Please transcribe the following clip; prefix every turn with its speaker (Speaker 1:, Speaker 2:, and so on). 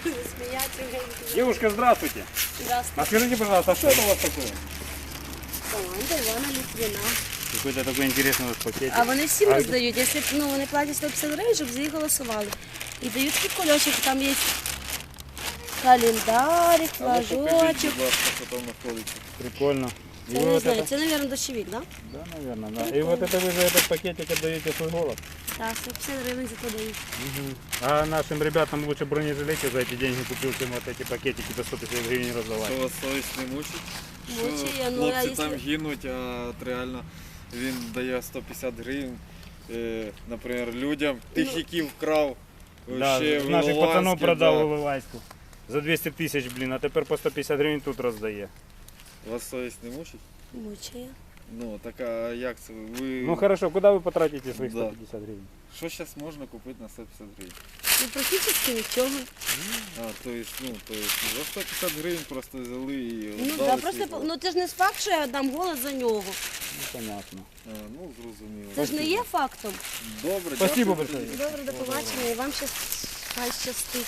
Speaker 1: Смеяться.
Speaker 2: Девушка, здравствуйте.
Speaker 1: Здравствуйте.
Speaker 2: А скажите, пожалуйста, а что это у вас такое?
Speaker 1: Команда Івана Літвіна.
Speaker 2: Какой-то такой интересный у вас пакетик.
Speaker 1: А вони всім роздають, якщо вони платять 150 гривень, щоб за їх голосували. І дають такий кульочок, там є календарик, флажочок.
Speaker 3: Що там знаходиться.
Speaker 2: Прикольно. И
Speaker 1: Це
Speaker 2: вы
Speaker 1: не
Speaker 2: вот
Speaker 1: знаю,
Speaker 2: это...
Speaker 1: це, мабуть, дощовик, так?
Speaker 2: Да, наверное, да. И вот это вы за этот пакетик отдаете свой голос.
Speaker 1: Так, 150 гривень за то дають.
Speaker 2: А нашим ребятам лучше бронежилеты за эти деньги купил, чем вот эти пакетики до 150 гривен раздавать.
Speaker 3: Що вас совість не мучить?
Speaker 1: Мучає, ну, а
Speaker 3: Хлопці там
Speaker 1: якщо-
Speaker 3: гинуть, а от реально він дає 150 гривень, наприклад, людям. Тих, які вкрав
Speaker 2: Да,
Speaker 3: ще в
Speaker 2: наших
Speaker 3: Іловайську,
Speaker 2: пацанов продал
Speaker 3: да.
Speaker 2: в Іловайську. За 200 тысяч, блин, а тепер по 150 гривень тут роздає.
Speaker 3: Вас совість не мучить?
Speaker 1: Мучає.
Speaker 3: Ну, так а як це? Ви...
Speaker 2: Ну хорошо, куда вы потратите своих
Speaker 3: Да.
Speaker 2: 150 гривен?
Speaker 3: Що зараз можна купити на 150 гривень?
Speaker 1: Ну, практично нічого.
Speaker 3: А, то есть, за 150 гривень просто взяли і
Speaker 1: Ну,
Speaker 3: віддали
Speaker 1: да,
Speaker 3: свій
Speaker 1: просто,
Speaker 3: голос.
Speaker 1: ну, це ж не факт, що я дам голос за нього.
Speaker 2: Ну понятно.
Speaker 3: А, ну, зрозуміло.
Speaker 1: Це ж не є фактом.
Speaker 3: Добре,
Speaker 2: Спасибо
Speaker 3: дякую.
Speaker 2: большое.
Speaker 1: Добре, до побачення і вам хай щастить.